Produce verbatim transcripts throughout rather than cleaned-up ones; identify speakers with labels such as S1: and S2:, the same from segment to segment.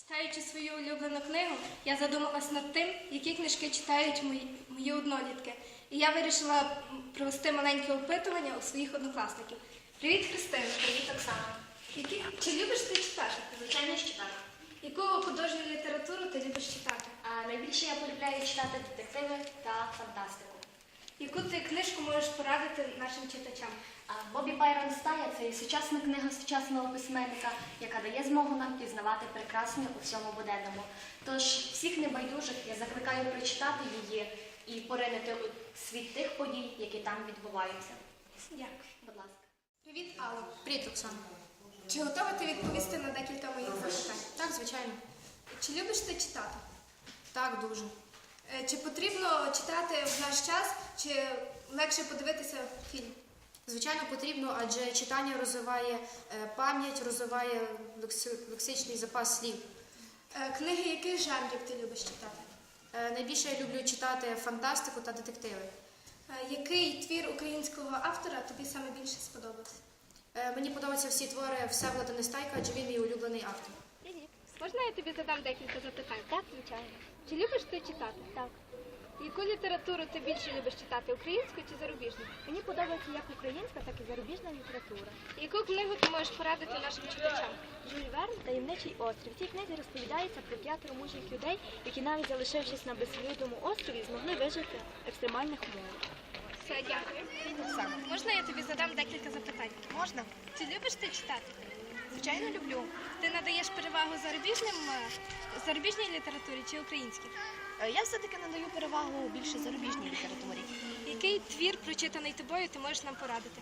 S1: Читаючи свою улюблену книгу, я задумалась над тим, які книжки читають мої, мої однолітки. І я вирішила провести маленьке опитування у своїх однокласників. Привіт, Христина.
S2: Привіт, Оксана.
S1: Які... Чи любиш ти читати?
S2: Звичайно, що так.
S1: Яку художню літературу ти любиш читати?
S2: А найбільше я полюбляю читати детективи та фантастику.
S1: Яку ти книжку можеш порадити нашим читачам?
S2: А Бобі Байрон Стая – це сучасна книга сучасного письменника, яка дає змогу нам пізнавати прекрасне у всьому буденному. Тож всіх небайдужих я закликаю прочитати її і поринути у світ тих подій, які там відбуваються.
S1: Дякую.
S2: Будь ласка.
S1: Привіт, Алла.
S3: Привіт, Оксана.
S1: Чи готова ти відповісти на декілька моїх запитань?
S3: Так, звичайно.
S1: Чи любиш ти читати?
S3: Так, дуже.
S1: Е, Чи потрібно читати в наш час, чи легше подивитися фільм?
S3: Звичайно, потрібно, адже читання розвиває е, пам'ять, розвиває лекси- лексичний запас слів.
S1: Е, Книги яких жанрів ти любиш читати?
S3: Е, Найбільше я люблю читати фантастику та детективи.
S1: Е, Який твір українського автора тобі саме більше сподобався?
S3: Е, Мені подобаються всі твори Всеволода Нестайка, адже він мій улюблений автор.
S1: Можна я тобі задам декілька запитань?
S4: Так, звичайно.
S1: Чи любиш ти читати?
S4: Так.
S1: Яку літературу ти більше любиш читати, українську чи зарубіжну?
S4: Мені подобається як українська, так і зарубіжна література.
S1: Яку книгу ти можеш порадити нашим читачам?
S4: Жюль Верн «Таємничий острів». В цій книзі розповідається про п'ятеро мужніх людей, які навіть залишившись на безлюдному острові, змогли вижити в екстремальних умовах.
S1: Все, дякую. Можна я тобі задам декілька запитань?
S5: Можна?
S1: Чи любиш ти читати?
S5: Звичайно, люблю.
S1: Ти надаєш перевагу зарубіжним, е, зарубіжній літературі чи українській?
S5: Е, Я все-таки надаю перевагу більше зарубіжній літературі.
S1: Який твір, прочитаний тобою, ти можеш нам порадити?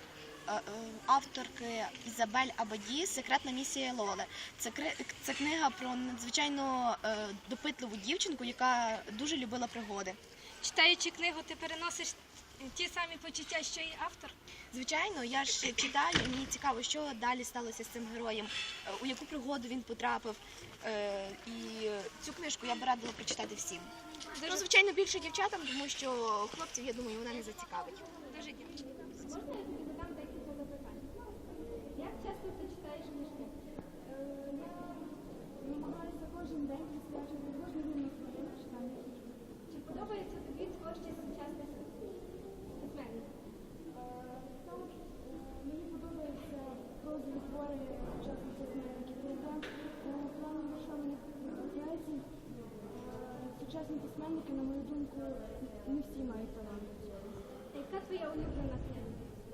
S5: Е, е, Авторки Ізабель Абаді «Секретна місія Лоле». Це, кри- це книга про надзвичайно е, допитливу дівчинку, яка дуже любила пригоди.
S1: Читаючи книгу, ти переносиш ті самі почуття, що і автор?
S5: Звичайно, я ж читаю, і мені цікаво, що далі сталося з цим героєм, е, у яку пригоду він потрапив. Е, І цю книжку я б радила прочитати всім. Ну, звичайно, більше дівчатам, тому що хлопців, я думаю, вона не зацікавить.
S1: Дуже дякую. Можна я тобі задам декілька запитань? Як часто ти читаєш книжки?
S6: Я намагаюся кожен день присвячувати кожну годину своєму читанню.
S1: Чи подобається тобі творчість сучасних письменників?
S6: Також мені подобаються прозові твори сучасних письменників. Проте у плані вірша мені подобається. Сучасні письменники, на мою думку, не всі мають талант.
S1: Яка твоя улюблена книга?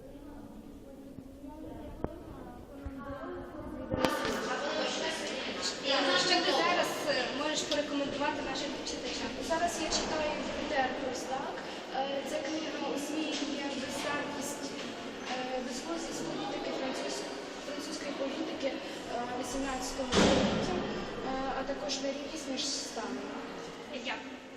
S1: Що ти зараз е, можеш порекомендувати нашим читачам?
S6: Зараз я читаю Пітер Простак. Це книга освітлює безсаркість, безглуздість політики французької, французької політики вісімнадцятого століття, а також нерівність між станами.
S1: Дякую.